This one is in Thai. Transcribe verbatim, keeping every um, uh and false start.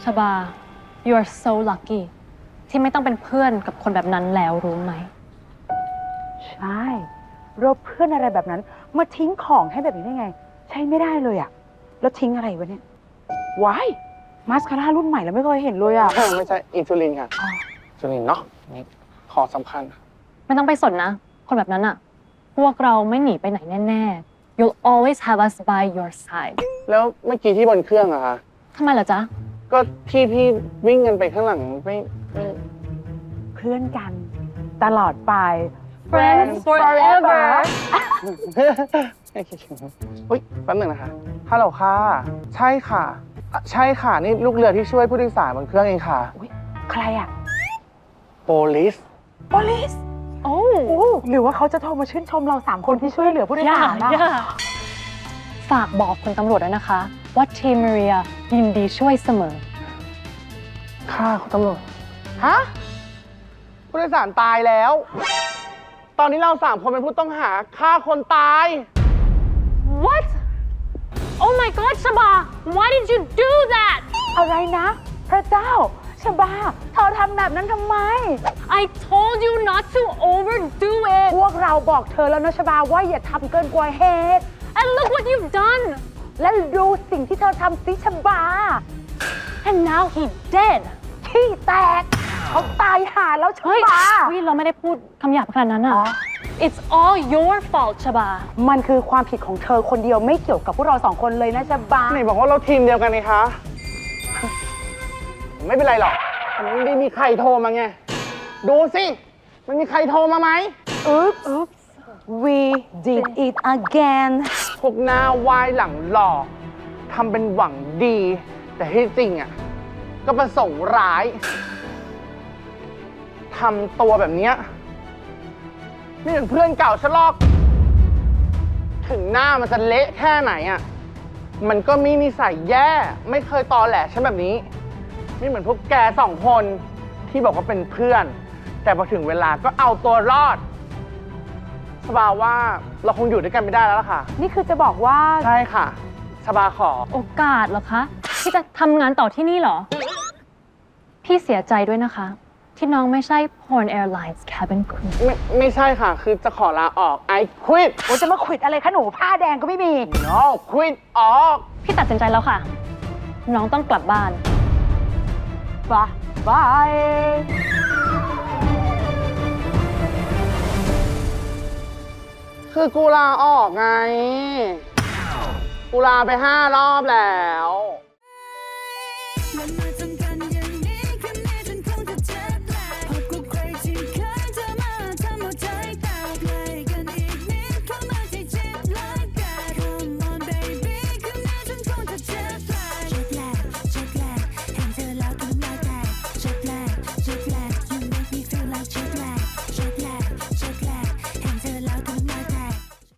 ชบา you are so lucky ที่ไม่ต้องเป็นเพื่อนกับคนแบบนั้นแล้วรู้ไหมใช่เราเพื่อนอะไรแบบนั้นมาทิ้งของให้แบบนี้ได้ไง ใช้ไม่ได้เลยอะแล้วทิ้งอะไรวะเนี่ยว้ายมาสคาร่ารุ่นใหม่แล้วไม่เคยเห็นเลยอะไม่ใช่อินซูลินค่ะอินซูลินเนาะนี่ของสำคัญไม่ต้องไปสนนะ คนแบบนั้นอะพวกเราไม่หนีไปไหนแน่ๆ you'll always have us by your side แล้วเมื่อกี้ที่บนเครื่องอะคะทำไมล่ะจ๊ะก็ที่พี่วิ่งกันไปข้างหลังไม่ไม่เพื่อนกันตลอดไป Friends forever ไม่คิดถึงอุ้ยแป๊บหนึ่งนะคะฮัลโหลค่ะ ใช่ค่ะอ่ะ ใช่ค่ะ นี่ลูกเรือที่ช่วยผู้โดยสารบนเครื่องเองค่ะอุ๊ยใครอะโปลิสโปลิสโอ้โอ้หรือว่าเขาจะโทรมาชื่นชมเราสามคนที่ช่วยเหลือผู้โดยย่าสารนะย่าฝากบอกคุณตำรวจด้วยนะคะ ว่าทีมมาเรียยินดีช่วยเสมอค่ะคุณตำรวจ ฮะ ผู้โดยสารตายแล้ว ตอนนี้เราสามคนเป็นผู้ต้องหาฆ่าคนตาย What Oh my God ชบา Why did you do that อะไรนะ พระเจ้าชบาเธอทำแบบนั้นทำไม I told you not to overdo it พวกเราบอกเธอแล้วนะชบาว่าอย่าทำเกินกว่าเหตุ and look what you've done และดูสิ่งที่เธอทำสิชบา and now he dead ขี้แตก เขาตายหาแล้วชเฮ้ยบาเฮ้ยเราไม่ได้พูดคำหยาบขนาดนั้นอ่ะอ๋อ It's all your fault ชบามันคือความผิดของเธอคนเดียวไม่เกี่ยวกับพวกเราสองคนเลยนะชบาไหนบอกว่าเราทีมเดียวกันนี่คะ ไม่เป็นไรหรอกมันไม่ได้มีใครโทรมาไง ดูสิ มันมีใครโทรมาไหม Oops Oops we did it again พวกหน้าวายหลังหล่อทำเป็นหวังดี แต่ที่จริงอ่ะ ก็ประสงค์ร้ายทำตัวแบบเนี้ยไม่เหมือนเพื่อนเก่าฉันหรอก ถึงหน้ามันจะเละแค่ไหนอ่ะ มันก็มีนิสัยแย่ ไม่เคยตอแหลฉันแบบนี้ ไม่เหมือนพวกแกสองคนที่บอกว่าเป็นเพื่อน แต่พอถึงเวลาก็เอาตัวรอดสบาว่าเราคงอยู่ด้วยกันไม่ได้แล้วล่ะค่ะนี่คือจะบอกว่าใช่ค่ะสบาขอโอกาสเหรอคะ ที่จะทำงานต่อที่นี่เหรอ พี่เสียใจด้วยนะคะ ที่น้องไม่ใช่ Porn Airlines Cabin Crew ไม่ไม่ใช่ค่ะ คือจะขอลาออก I quit โอ้จะมาขวิดอะไรคะหนูผ้าแดงก็ไม่มี no quit ออกพี่ตัดสินใจแล้วค่ะ น้องต้องกลับบ้านบายบายคือกูลาออกไง กูลาไปห้ารอบแล้ว